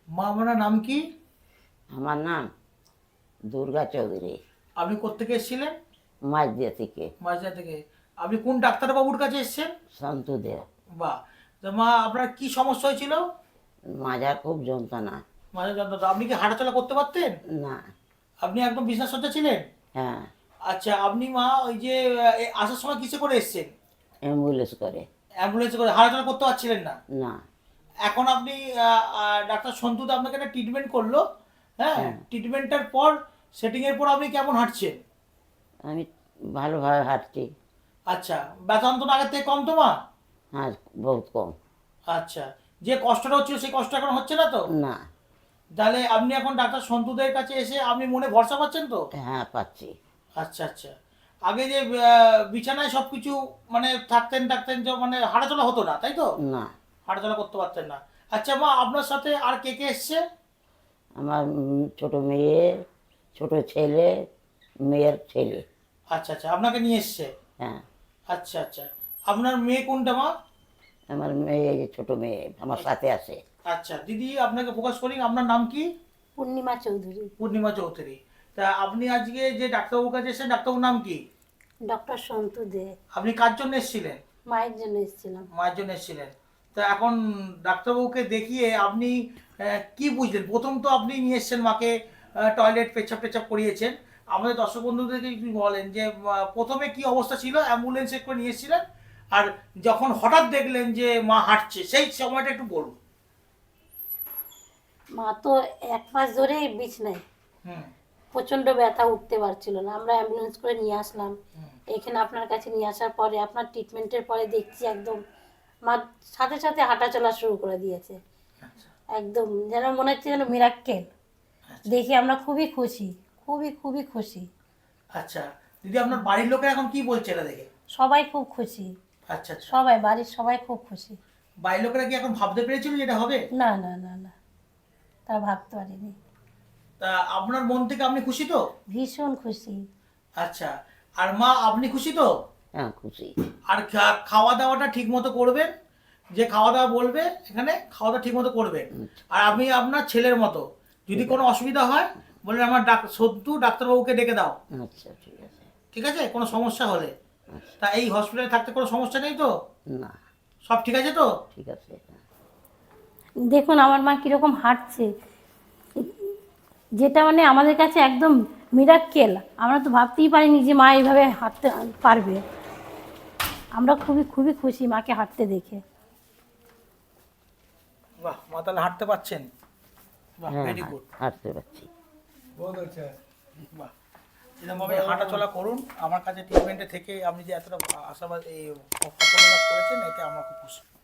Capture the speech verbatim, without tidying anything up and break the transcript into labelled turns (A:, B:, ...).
A: মা আপনার নাম কি?
B: আমার নাম দুর্গা চৌধুরী,
A: আপনি কোত্থেকে এসেছিলেন?
B: মাঝদিয়া থেকে।
A: মাঝরা থেকে। আপনি কোন ডাক্তারবাবুর কাছে এসেছেন?
B: সন্তু দে।
A: বাহ। তো মা আপনার কি সমস্যা হয়েছিল?
B: মাজার খুব যন্ত্রণা।
A: মাঝে যন্ত্রণা। আপনি কি হাঁটাচলা করতে পারতেন?
B: না।
A: আপনি একদম বিছানাসজ্জা ছিলেন?
B: হ্যাঁ।
A: আচ্ছা, আপনি মা ওই যে আহ, এ আসার সময় কিসে করে এসেছেন?
B: অ্যাম্বুলেন্স করে।
A: অ্যাম্বুলেন্সে করে। হাঁটাচলা করতে পারছিলেন না?
B: না।
A: এখন আপনি আহ, আহ, ডাক্তার সন্তুদা আপনাকে একটা ট্রিটমেন্ট করলো। হ্যাঁ,
B: হ্যাঁ।
A: ট্রিটমেন্টের পর সেটিংয়ের পর আপনি কেমন হাঁটছেন?
B: আমি ভালোভাবে হাঁটছি।
A: আচ্ছা, ব্যথা যন্ত্রণা আগের থেকে কম তো মা?
B: হ্যাঁ, বহুত কম।
A: আচ্ছা, যে কষ্টটা হচ্ছিল সেই কষ্ট এখন হচ্ছে না তো?
B: না।
A: তাহলে আপনি এখন ডাক্তার সন্তুদের কাছে এসে আপনি মনে ভরসা পাচ্ছেন তো?
B: হ্যাঁ, পাচ্ছি।
A: আচ্ছা আচ্ছা। আগে যে আহ, বিছানায় সব কিছু মানে থাকতেন থাকতেন যে মানে হাঁটাচলা হতো না তাই তো?
B: না।
A: হাঁটাচলা করতে পারতেন না। আচ্ছা মা, আপনার সাথে আর কে কে এসছে?
B: আমার উম, ছোট মেয়ে, ছোট ছেলে, মেয়ের ছেলে।
A: আচ্ছা আচ্ছা, আপনাকে নিয়ে এসছে।
B: হ্যাঁ।
A: আচ্ছা আচ্ছা। আপনার মেয়ে কোনটা মা?
B: আমার মেয়ে, এই যে ছোট মেয়ে আমার সাথে আছে।
A: আচ্ছা দিদি, আপনাকে প্রকাশ করি, আপনার নাম কি?
C: পূর্ণিমা চৌধুরী।
A: পূর্ণিমা চৌধুরী। তা আপনি আজকে যে ডাক্তারবাবুর কাছে এসেছেন, ডাক্তারবাবুর নাম কি?
C: ডক্টর সন্তু দে।
A: আপনি কার জন্য এসেছিলেন?
C: মায়ের জন্য এসেছিলাম।
A: মায়ের জন্য এসেছিলেন। তা এখন ডাক্তারবাবুকে দেখিয়ে আপনি আহ, কি বুঝলেন? প্রথম তো আপনি নিয়ে এসেছেন মাকে, টয়লেট পেচ্ছাপ টেচ্ছাপ করিয়েছেন। আমাদের দর্শক বন্ধুদেরকে একটু বলেন যে আহ, প্রথমে কি অবস্থা ছিল, অ্যাম্বুলেন্সে করে নিয়ে এসেছিলেন, আর যখন হঠাৎ দেখলেন যে মা হাঁটছে সেই সময়টা একটু বলুন।
C: মা তো এক মাস ধরেই বিছনায়,
A: হুম
C: প্রচণ্ড ব্যথা, উঠতে পারছিল না। আমরা অ্যাম্বুলেন্স করে নিয়ে আসলাম
A: হুম।
C: এখানে আপনার কাছে। নিয়ে আসার পরে আপনার ট্রিটমেন্টের পরে দেখছি একদম মা সাথে সাথে হাঁটা চলা শুরু করে দিয়েছে।
A: আচ্ছা
C: একদম যেন মনে হচ্ছে যেন মিরাক্কেল।
A: আচ্ছা।
C: দেখে আমরা খুবই খুশি, খুবই খুবই খুশি।
A: আচ্ছা দিদি, আপনার বাড়ির লোকেরা এখন কি বলছে এটা দেখে?
C: সবাই খুব খুশি,
A: আচ্ছা আচ্ছা।
C: সবাই, বাড়ির সবাই খুব খুশি।
A: বাড়ির লোকেরা কি এখন ভাবতে পেরেছিল যে এটা হবে?
C: না না না না, তা ভাবতে পারিনি।
A: তা আপনার মন থেকে আপনি খুশি তো?
C: ভীষণ খুশি।
A: আচ্ছা। আর মা আপনি খুশি তো?
B: হ্যাঁ, খুশি।
A: আর খা- খাওয়া দাওয়াটা ঠিক মতো করবেন। যে খাওয়া দাওয়া বলবে এখানে, খাওয়া দাওয়া ঠিক মতো করবেন। আর আপনি আপনার ছেলের মতো যদি কোনো অসুবিধা হয় বললেন আমার ডাক সদ্যু ডাক্তারবাবুকে ডেকে দাও।
B: আচ্ছা, ঠিক আছে।
A: ঠিক আছে, কোনো সমস্যা হলে।
B: আচ্ছা।
A: তা এই হসপিটালে থাকতে কোনো সমস্যা নেই তো?
B: না।
A: সব ঠিক আছে তো?
B: ঠিক আছে। হ্যাঁ।
C: দেখুন আমার মা কীরকম হাঁটছে, যেটা মানে আমাদের কাছে একদম মিরাক্কেল। আমরা তো ভাবতেই পারিনি যে মা এইভাবে হাঁটতে পারবে। আমরা খুবই খুবই খুশি মাকে হাঁটতে দেখে।
A: বাহ, মা তাহলে হাঁটতে পারছেন। বাহ,
B: হ্যাঁ,
A: ভেরি গুড।
B: হাঁটতে পারছি।
A: বাহ। এরকমভাবে হাঁটা চলা করুন। আমার কাছে ট্রিটমেন্টে থেকে আপনি যে এতটা আশাবাদ এই সাফল্য লাভ করেছেন, এতে আমরা খুব খুশি।